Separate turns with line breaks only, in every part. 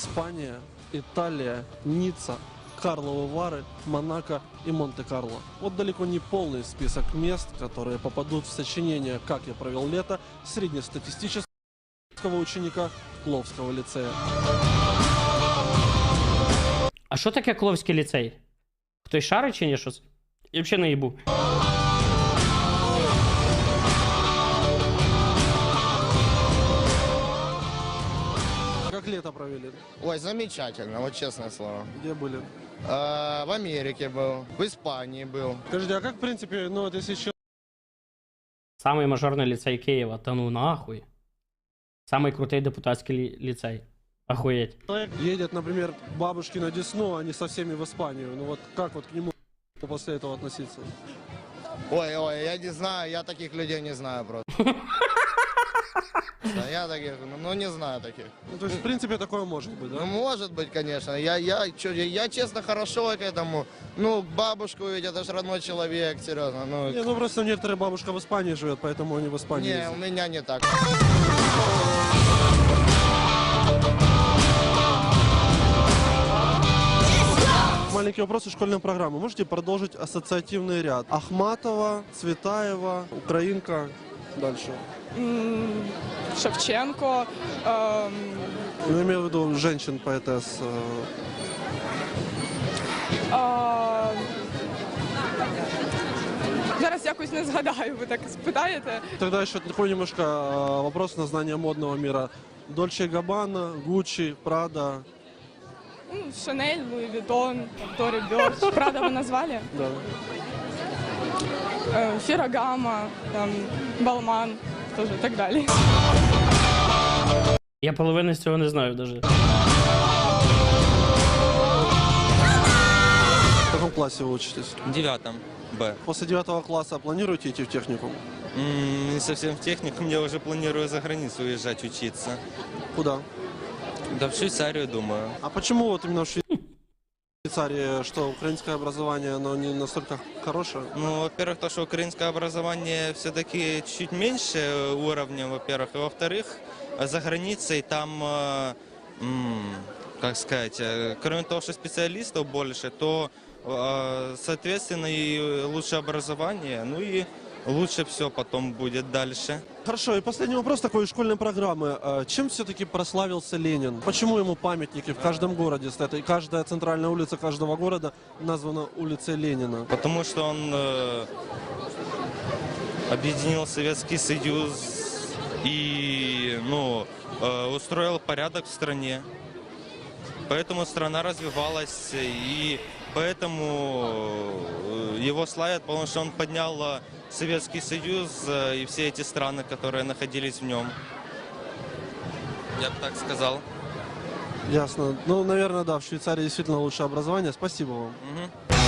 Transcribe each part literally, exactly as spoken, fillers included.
Испания, Италия, Ницца, Карловы Вары, Монако и Монте-Карло. Вот далеко не полный список мест, которые попадут в сочинение «Как я провел лето» среднестатистического ученика Кловского лицея.
А що таке Кловський ліцей? Хтось шарить чи ні щось? Я взагалі не їбу.
Как лето провели?
Ой, замечательно, вот честное слово.
Где были?
Э, в Америке был, в Испании был.
Скажите, а как в принципе, ну вот если человек
Самий мажорний ліцей Києва. Та ну нахуй. Самий крутий депутатський лі- ліцей. Охуєть.
едет, например, к бабушке на Десну, а не со всеми в Испанию, ну вот как вот к нему после этого относиться?
Ой, ой, я не знаю, я таких людей не знаю просто. Да, я таких, ну, ну не знаю таких.
Ну то есть в принципе такое может быть,
Ну
да?
может быть, конечно. Я, я, чё, я, я честно хорошо к этому. Ну, бабушку ведь это же родной человек, серьезно. Ну,
Не, ну просто некоторая бабушка в Испании живет, поэтому они в Испании
не,
ездят.
у меня не так.
Маленький вопрос из школьной программы. Можете продолжить ассоциативный ряд? Ахматова, Цветаева, Украинка. Дальше.
М, Шевченко. ем,
Ну, имею в виду женщин поэтесс. э,
а, Зараз якось не згадаю, ви так спитаєте.
Тогда еще такой немножко э, вопрос на знание модного мира. Дольче Габбана, Гуччи, Прада.
Ну, Шанель, Луї Вітон, Тори Бьорч. Правда, ви назвали?
Да.
Е, Фірагама, там, Балман, теж і так далі.
Я половини з цього не знаю навіть.
В каком классе вы учитесь?
В девятом Б.
После девятого класса планируете идти в техникум?
М, Не совсем в техникум, я уже планирую за границу уезжать учиться.
Куда?
Да в Швейцарию, думаю.
А почему вот именно в Швейцарии, что украинское образование, оно не настолько хорошее?
Ну, во-первых, то, что украинское образование все-таки чуть меньше уровня, во-первых. И во-вторых, за границей там, э, м, как сказать, э, кроме того, что специалистов больше, то, э, соответственно, и лучше образование, ну и лучше все потом будет дальше.
Хорошо, и последний вопрос такой из школьной программы. А чем все-таки прославился Ленин? Почему ему памятники в каждом городе стоят? И каждая центральная улица каждого города названа улицей Ленина.
Потому что он э, объединил Советский Союз и ну, э, устроил порядок в стране. Поэтому страна развивалась, и поэтому э, его славят, потому что он поднял э, Советский Союз э, и все эти страны, которые находились в нем. Я бы так сказал.
Ясно. Ну, наверное, да, в Швейцарии действительно лучшее образование. Спасибо вам.
Мгм.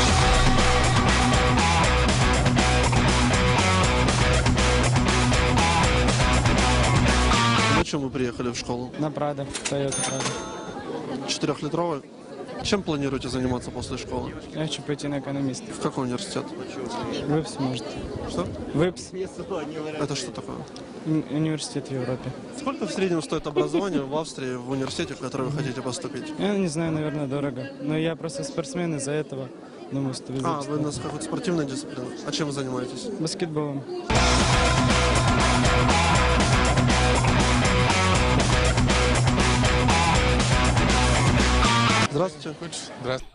На чем вы приехали в школу?
На Прадо, Toyota Прадо.
Четырехлитровый? Чем планируете заниматься после школы?
Я хочу пойти на экономиста.
В какой университет?
ВИПС, может.
Что?
ВИПС.
Это что такое?
М- Университет в Европе.
Сколько в среднем стоит образование в Австрии, в университете, в который вы хотите поступить?
Я не знаю, наверное, дорого. Но я просто спортсмен, из-за этого думаю, что
А,
ВИПС.
вы у нас какой-то спортивной дисциплины. А чем вы занимаетесь?
Баскетболом.
Здравствуйте.
Здравствуйте.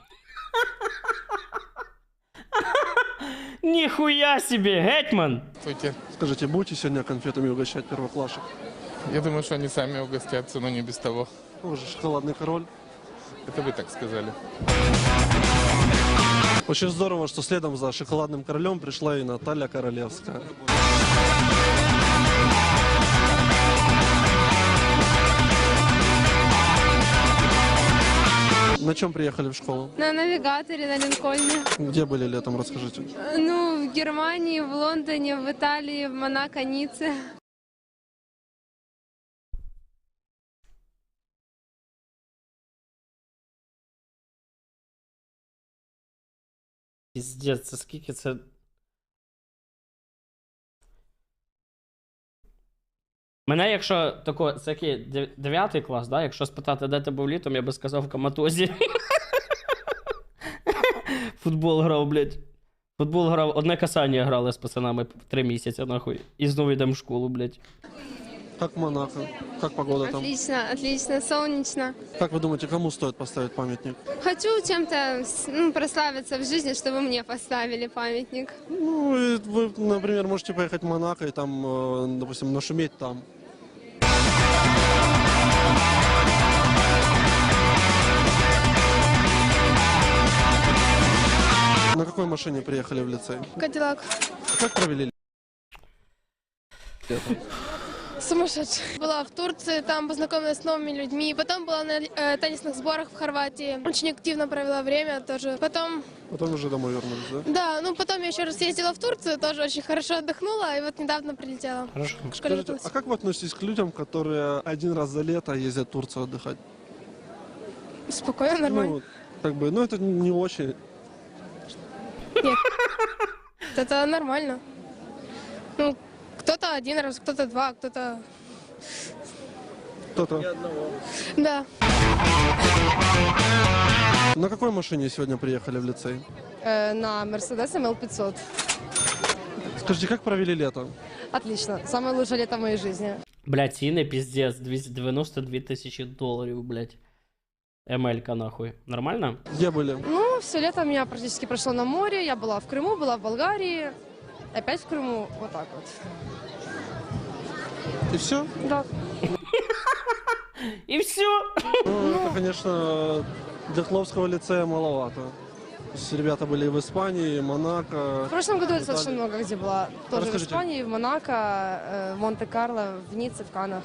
Ніхуя собі, гетьман!
Скажите, будете сегодня конфетами угощать первоклашек?
Я думаю, что они сами угостятся, но не без того.
Вы же шоколадный король.
Это вы так сказали.
Очень здорово, что следом за шоколадным королем пришла и Наталья Королевская. На чем приехали в школу?
На навигаторе на Линкольне.
Где были летом, расскажите.
Ну, в Германии, в Лондоне, в Италии, в Монако, Ницце.
Піздець, це скільки це. Мене, якщо тако, це який, дев- дев'ятий клас, да? Якщо спитати, де ти був літом, я би сказав в Коматозі. Футбол грав, блядь. Футбол грав, одне касання грали з пацанами три місяці, нахуй. І знову йдемо в школу, блядь.
Как Монако? Как погода там?
Отлично, отлично, солнечно.
Как вы думаете, кому стоит поставить памятник?
Хочу чем-то с- ну, прославиться в жизни, чтобы мне поставили памятник.
Ну, и вы, например, можете поехать в Монако и там, э, допустим, нашуметь там. На какой машине приехали в лицей?
Кадиллак.
Как провели лето?
Сумасшедший. Была в Турции, там познакомилась с новыми людьми. Потом была на э, теннисных сборах в Хорватии. Очень активно провела время тоже. Потом,
Потом уже домой вернулись, да?
да, ну потом я еще раз ездила в Турцию, тоже очень хорошо отдохнула. И вот недавно прилетела.
Хорошо.
К школе
Скажите,
готовилась.
а как вы относитесь к людям, которые один раз за лето ездят в Турцию отдыхать?
Спокойно, нормально.
Ну, как бы, ну это не очень.
Это нормально. Ну, кто-то один раз, кто-то два, кто-то...
Кто-то.
Да.
На какой машине сегодня приехали в лицей?
На Mercedes эм эл пятьсот.
Скажите, как провели лето?
Отлично. Самое лучшее лето в моей жизни.
Блядь, ціни піздець, двісті дев'яносто дві тисячі доларів, блядь. Емелька, нахуй. Нормально?
Где были?
Ну, все лето у меня практически прошло на море. Я была в Крыму, была в Болгарии. Опять в Крыму. Вот так вот.
И все?
Да.
І все.
Ну, это, конечно, для Хловского лицея маловато. То есть ребята были и в Испании, и Монако.
В прошлом году я
Италии.
достаточно много где была. Тоже
Расскажите.
в Испании, в Монако, э, в Монте-Карло, в Ницце, в Каннах.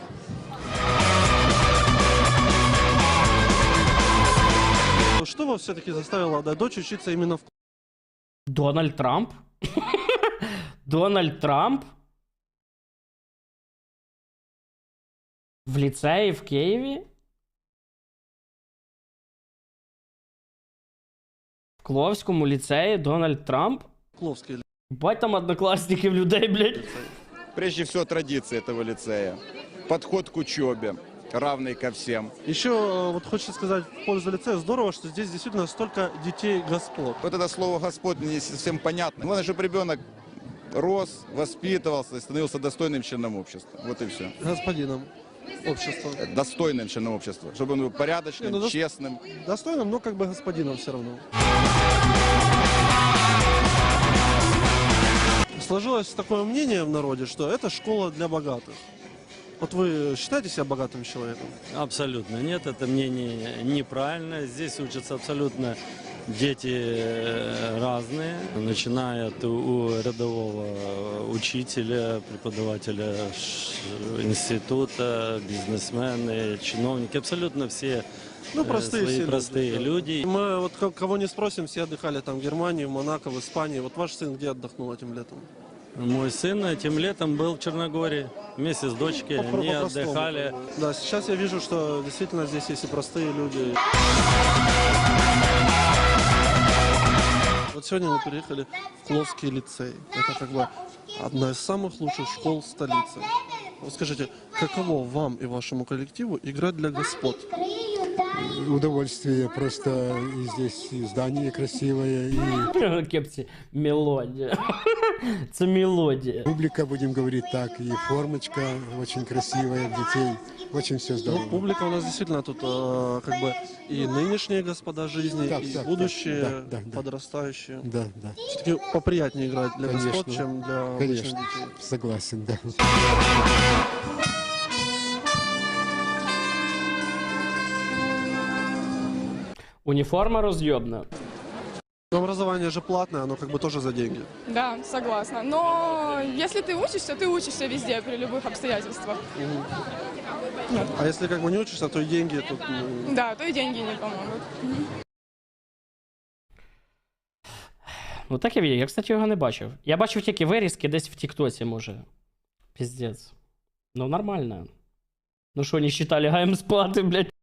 Что вас все-таки заставило отдать дочь учиться именно в...
Дональд Трамп? Дональд Трамп? В ліцеї в Києві? В Кловському ліцеї Дональд Трамп?
Кловский?
Бать там однокласників людей, блядь.
Прежде всего, традиции этого лицея. Подход к учебе, равный ко всем.
Еще э, вот хочется сказать в пользу лицея, здорово, что здесь действительно столько детей господ.
Вот это слово «Господь» мне не совсем понятно. Главное, чтобы ребенок рос, воспитывался и становился достойным членом общества. Вот и все.
Господином общества.
Достойным членом общества. Чтобы он был порядочным,
Не, ну, дос-
честным.
Достойным, но как бы господином все равно. Сложилось такое мнение в народе, что это школа для богатых. Вот вы считаете себя богатым человеком?
Абсолютно нет, это мнение неправильно. Здесь учатся абсолютно дети э, разные, начиная от у рядового учителя, преподавателя ш- института, бизнесмены, чиновники, абсолютно все
Ну,
э,
простые
свои
все
простые
да.
люди.
Мы вот ко- кого не спросим, все отдыхали там в Германии, в Монако, в Испании. Вот ваш сын где отдохнул этим летом?
Мой сын этим летом был в Черногории вместе с дочкой,
По-
они
по-простому,
отдыхали.
как бы. Да, сейчас я вижу, что действительно здесь есть и простые люди. Вот сегодня мы приехали в Кловский лицей. Это как бы одна из самых лучших школ столицы. Вот скажите, каково вам и вашему коллективу играть для господ?
Удовольствие, просто и здесь и здание красивое, и
Кепці, мелодія. Це мелодія.
публика, будем говорить так, и формочка очень красивая детей, очень все
Ну,
здорово.
публика у нас действительно тут э, как бы и нынешние господа жизни,
Так,
и
так,
будущие,
так, да, да, да.
подрастающие.
Да, да,
Все-таки поприятнее играть для
Конечно.
господ, чем для обычных
конечно,
детей.
согласен, да.
Уніформа роз'єбна.
Но образование же платное, оно как бы тоже за деньги.
Да, согласна. Но если ты учишься, ты учишься везде, при любых обстоятельствах.
А если как бы не учишься, то и деньги тут... ну,
Да, то и деньги не помогут.
Ну таке відео, я, кстати, його не бачив. Я бачив тільки вирізки десь в Тіктоці, може. Піздець. Ну нормально. Ну що, не считали, гаєм спати, блядь.